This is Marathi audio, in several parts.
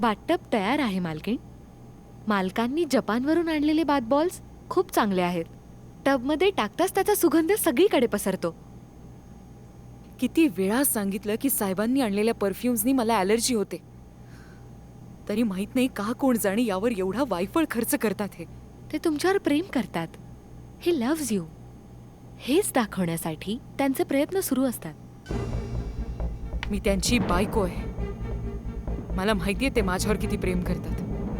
बाथटब तयार आहे मालकीण. मालकांनी जपानवरून आणलेले बाथ बॉल्स खूप चांगले आहेत. टबमध्ये टाकताच त्याचा सुगंध सगळीकडे पसरतो. किती वेळा सांगितलं की साहेबांनी आणलेल्या परफ्युम्सनी मला ॲलर्जी होते, तरी माहित नाही का कोण जाणे यावर एवढा वायफळ खर्च करतात. ते तुमच्यावर प्रेम करतात. ही लव्ज यू हेच दाखवण्यासाठी त्यांचे प्रयत्न सुरू असतात. मी त्यांची बायको आहे. मला माहितीये ते माझ्यावर किती प्रेम करतात,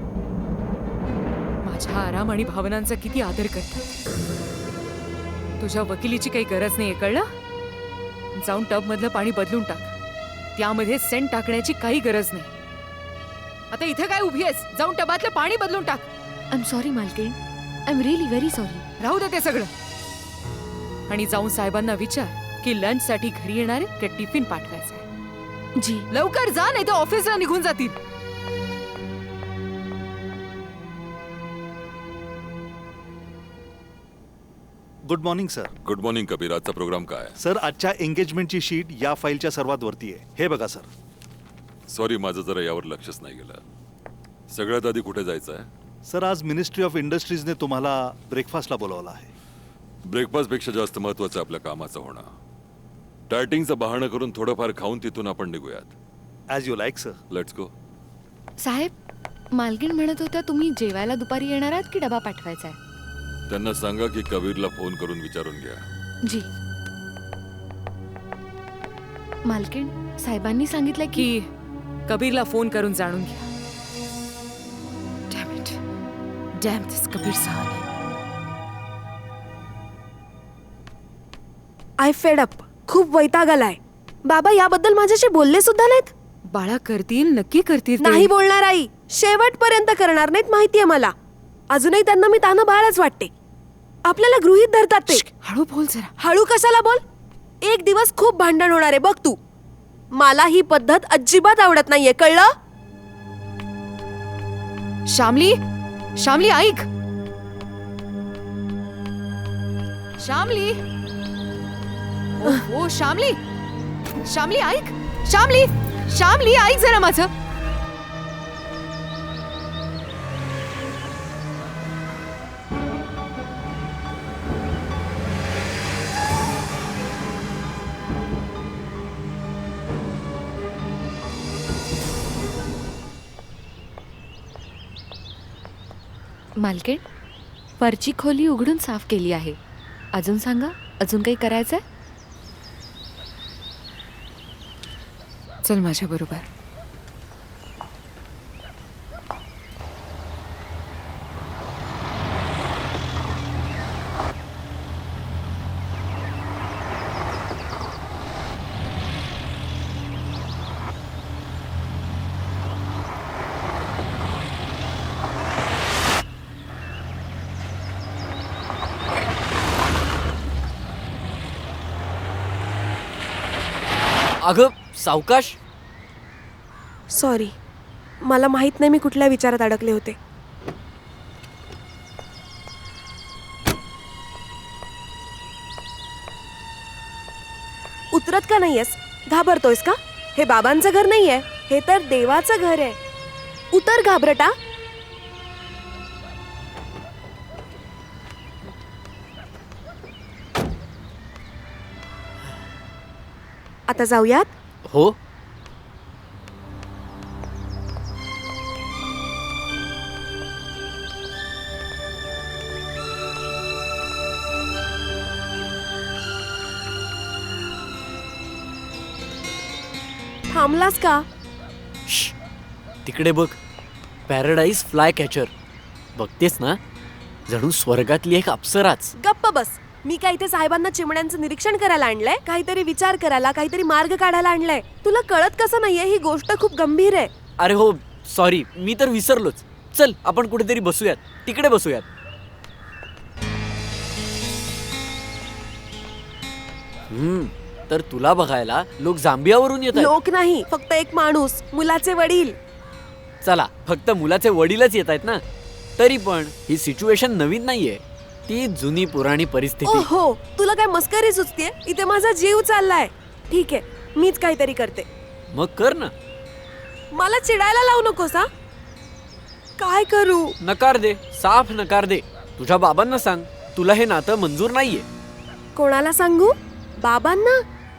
माझ्या आराम आणि भावनांचा किती आदर करतात. तुझ्या वकिलीची काही गरज नाहीये, कळलं? जाऊन टब मधलं पाणी बदलून टाक. त्यामध्ये सेंट टाकण्याची काही गरज नाही. आता इथे काय उभी आहेस? जाऊन टबातलं पाणी बदलून टाक. आय एम सॉरी मालकीण, I am really very sorry. राहू दे ते सगळं, आणि जाऊन साहेबांना विचार की लंच साठी घरी येणारे का टिफिन पाठवायचा आहे. जी. लवकर जा, नाही तर ऑफिसला निघून जातील. Good morning sir. Good morning Kabir. आजचा प्रोग्राम काय? सर, आजच्या एंगेजमेंटची शीट या फाईलच्या सर्वात वरती आहे. हे बघा सर. सॉरी, माझं जरा यावर लक्षच नाही गेलं. सगळ्यात आधी कुठे जायचं आहे? सर, आज मिनिस्ट्री ऑफ इंडस्ट्रीजने तुम्हाला ब्रेकफास्टला बोलावलं आहे. ब्रेकफास्टपेक्षा जास्त महत्वाचं आपल्या कामाचं होणं. डायटिंगचं बहाणं करून थोडंफार खाऊन तिथून आपण निघूयात. As you like sir. Let's go. साहेब, मालकीण म्हणत होत्या तुम्ही जेवायला दुपारी येणार आहात की डबा पाठवायचा आहे? त्यांना सांगा की कबीरला फोन करून विचारून घ्या. जी. मालकीण, साहेबांनी सांगितलं की की कबीरला फोन करून जाणून घ्या. Damn it. Damn this Kabir साहब. I fed up. खूप वैताग आलाय. बाबा याबद्दल माझ्याशी बोलले सुद्धा नाहीत. बाळा, करतील, नक्की करतील ते. नाही बोलणार आई. शेवटपर्यंत करणार नाहीत, माहितीये मला. अजूनही त्यांना मी तानं बाळच वाटते. आपल्याला गृहीत धरतात ते. हळू बोल जरा. हळू कशाला बोल? एक दिवस खूप भांडण होणार आहे बघ तू. मला ही पद्धत अजिबात आवडत नाहीये, कळलं? श्यामली, श्यामली ऐक. श्यामली, ओ श्यामली, श्यामली ऐक. श्यामली, श्यामली ऐक जरा माझं. मालकीण, वरची खोली उघडून साफ केली आहे. अजून सांगा, अजून काही करायचंय? चल माझ्या बरोबर. अगं सावकाश. सॉरी, मला माहित नाही मी कुठल्या विचारात अडकले होते. उतरत का नाहीयेस? घाबरतोयस का? हे बाबांचं घर नाहीये, हे तर देवाचं घर आहे. उतर घाबरटा. आता जाऊयात. हो. थांबलास का? तिकडे बघ, पॅराडाईज फ्लाय कॅचर. बघतेस ना, जणू स्वर्गातली एक अप्सराच. गप्प बस. मी काय इथे साहेबांना चिमण्यांचं निरीक्षण करायला आणलंय? काहीतरी विचार करायला, काहीतरी मार्ग काढायला आणलंय. तुला कळत कसं नाहीये? ही गोष्ट खूप गंभीर आहे. अरे हो, सॉरी, मी तर विसरलोच. चल आपण कुठेतरी बसूयात, तिकडे बसूयात. तर तुला बघायला लोक जांबियावरून येतात. लोक नाही, फक्त एक माणूस, मुलाचे वडील. चला, फक्त मुलाचे वडीलच येत आहेत ना. तरी पण ही सिच्युएशन नवीन नाहीये, ती जुनी पुराणी परिस्थिती. हो, तुला काय मस्करी सुचतेय? इथे माझा जीव चाललाय. ठीक आहे, मीच काहीतरी करते. मग कर ना. मला चिडायला लावू नकोस हा. काय करू? नकार दे, साफ नकार दे. तुझ्या बाबांना सांग तुला हे नातं मंजूर नाहीये. कोणाला सांगू? बाबांना?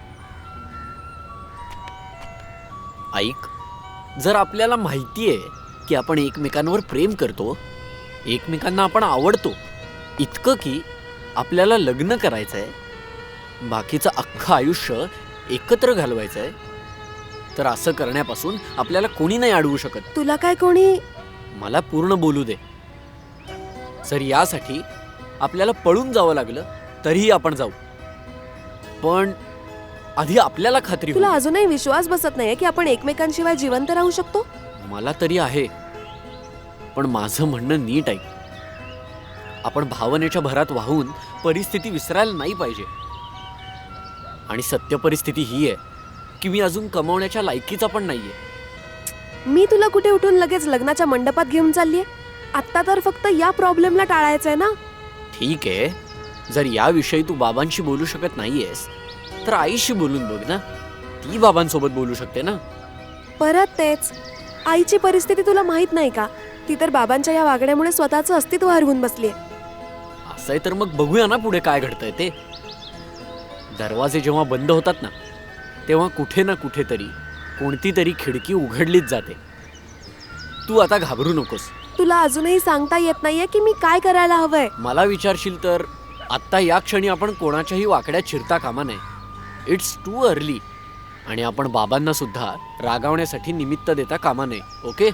ऐक, जर आपल्याला माहितीये की आपण एकमेकांवर प्रेम करतो, एकमेकांना आपण आवडतो, इतकं की आपल्याला लग्न करायचंय, बाकीचं अख्खं आयुष्य एकत्र घालवायचंय, तर असं करण्यापासून आपल्याला कोणी नाही अडवू शकत. तुला काय कोणी? मला पूर्ण बोलू दे. जर यासाठी आपल्याला पळून जावं लागलं तरीही आपण जाऊ, पण आधी आपल्याला खात्री तुला होऊ दे. अजूनही विश्वास बसत नाहीये की आपण एकमेकांशिवाय जिवंत राहू शकतो? मला तरी आहे, पण माझं म्हणणं नीट आहे. आपण भावनेच्या भरात वाहून परिस्थिती विसरायला नाही पाहिजे. आणि सत्य परिस्थिती ही आहे की मी अजून कमावण्याच्या लायकीचा पण नाहीये. मी तुला कुठे उठून लगेच लग्नाच्या मंडपात घेऊन चाललीये? आत्ता तर फक्त या प्रॉब्लेमला टाळायचंय ना. ठीक आहे, जर याविषयी तू बाबांशी बोलू शकत नाहीयेस तर आईशी बोलून बघ ना. ती बाबांसोबत बोलू शकते ना. परत तेच, आईची परिस्थिती तुला माहित नाही का? ती तर बाबांच्या या वागण्यामुळे स्वतःचं अस्तित्व हरवून बसलीये. असंय तर मग बघूया ना पुढे काय घडतंय ते. दरवाजे जेव्हा बंद होतात ना, तेव्हा कुठे ना कुठेतरी कोणती तरी खिडकी उघडलीच जाते. तू आता घाबरू नकोस. तुला अजूनही सांगता येत नाहीये की मी काय करायला हवंय. मला विचारशील तर आत्ता या क्षणी आपण कोणाच्याही वाकड्यात चिरता कामा नये. It's too early. आणि आपण बाबांना सुद्धा रागावण्यासाठी निमित्त देता कामा नये. ओके?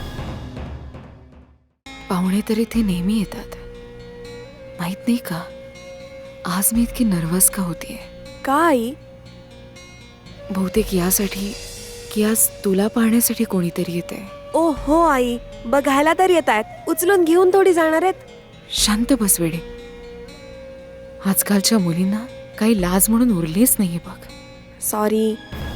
पाहुणे तर इथे नेहमी येतात. माहित नाही का आज मी इतकी नर्वस का होतीये? का आई? बहुतेक यासाठी की आज तुला पाहण्यासाठी कोणीतरी येते. ओ हो आई, बघायला तर येत आहेत, उचलून घेऊन थोडी जाणार आहेत. शांत बस वेडे. आजकालच्या मुलींना काही लाज म्हणून उरलीच नाहीये बघ. सॉरी.